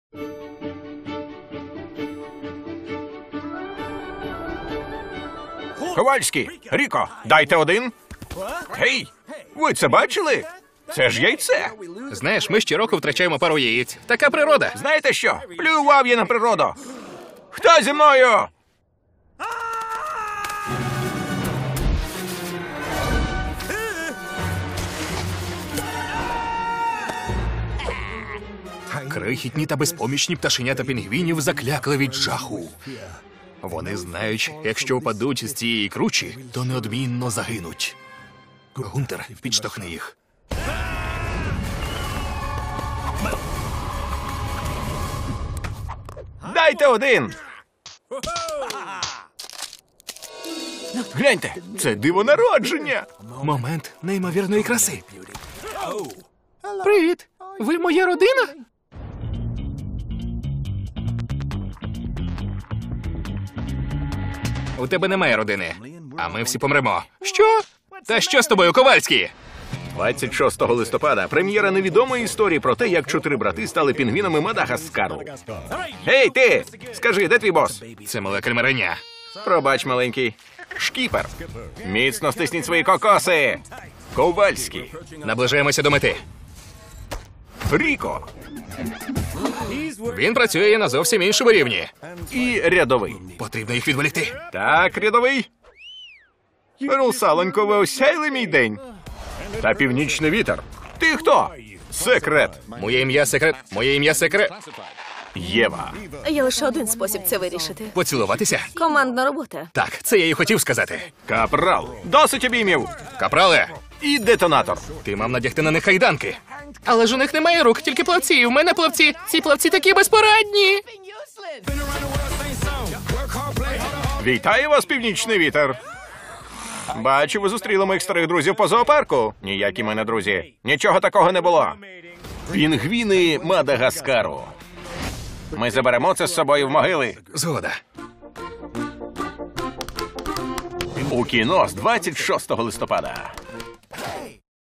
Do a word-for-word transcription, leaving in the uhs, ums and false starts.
Ковальський, Ріко, дайте один. Гей, ви це бачили? Це ж яйце. Знаєш, ми щороку втрачаємо пару яєць. Така природа. Знаєте що? Плював я на природу. Хто зі мною? Крихітні та безпомічні пташенята пінгвінів заклякли від жаху. Вони знають, якщо впадуть з цієї кручі, то неодмінно загинуть. Гунтер, підштовхни їх. Дайте один. Гляньте, це диво народження. Момент неймовірної краси. Привіт! Ви моя родина? У тебе немає родини, а ми всі помремо. Що? Та що з тобою, Ковальський? двадцять шостого листопада прем'єра невідомої історії про те, як чотири брати стали пінгвінами Мадагаскару. Гей, ти! Скажи, де твій бос? Це мале кальмареня. Пробач, маленький. Шкіпер. Міцно стисніть свої кокоси. Ковальський. Наближаємося до мети. Ріко. Він працює на зовсім іншому рівні. І рядовий. Потрібно їх відволікти. Так, рядовий. Русалонько, ви осяйли мій день. Та північний вітер. Ти хто? Секрет. Моє ім'я секрет. Моє ім'я секрет. Єва. Є лише один спосіб це вирішити. Поцілуватися? Командна робота. Так, це я й хотів сказати. Капрал. Досить обіймів. Капрале, І детонатор. ти мав надягти на них кайданки. Але ж у них немає рук, тільки плавці. У мене плавці. Ці плавці такі безпорадні. Вітаю вас, північний вітер. Бачу, ви зустріли моїх старих друзів по зоопарку. Ніякі мене друзі. Нічого такого не було. Пінгвіни Мадагаскару. Ми заберемо це з собою в могили. Згода. У кіно з двадцять шостого листопада.